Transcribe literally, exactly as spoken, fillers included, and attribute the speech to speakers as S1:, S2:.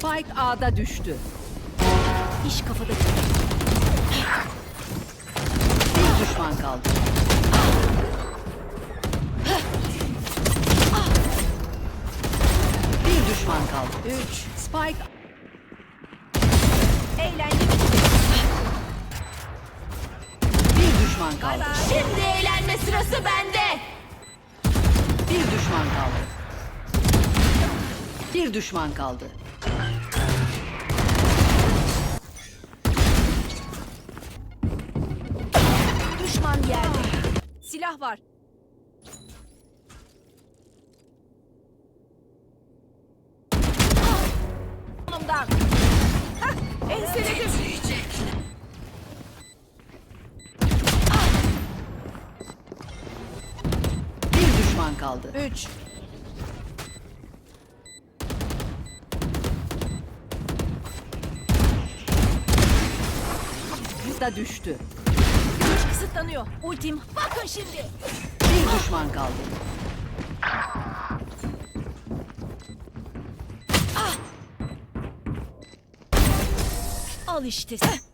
S1: Spike A'da düştü. İş kafada. Bir düşman kaldı. Bir düşman kaldı. Üç. Spike. Eğlenceli. Bir düşman kaldı.
S2: Şimdi eğlenme sırası bende.
S1: Bir düşman kaldı. Bir düşman kaldı.
S2: Düşman yerde.
S1: Silah var.
S2: Onumdan. Hah, enseledim.
S1: Bir düşman kaldı.
S2: Üç.
S1: Da düştü.
S2: Güç kısıtlanıyor. Ultim. Bakın şimdi.
S1: Bir düşman kaldı.
S2: Al işte.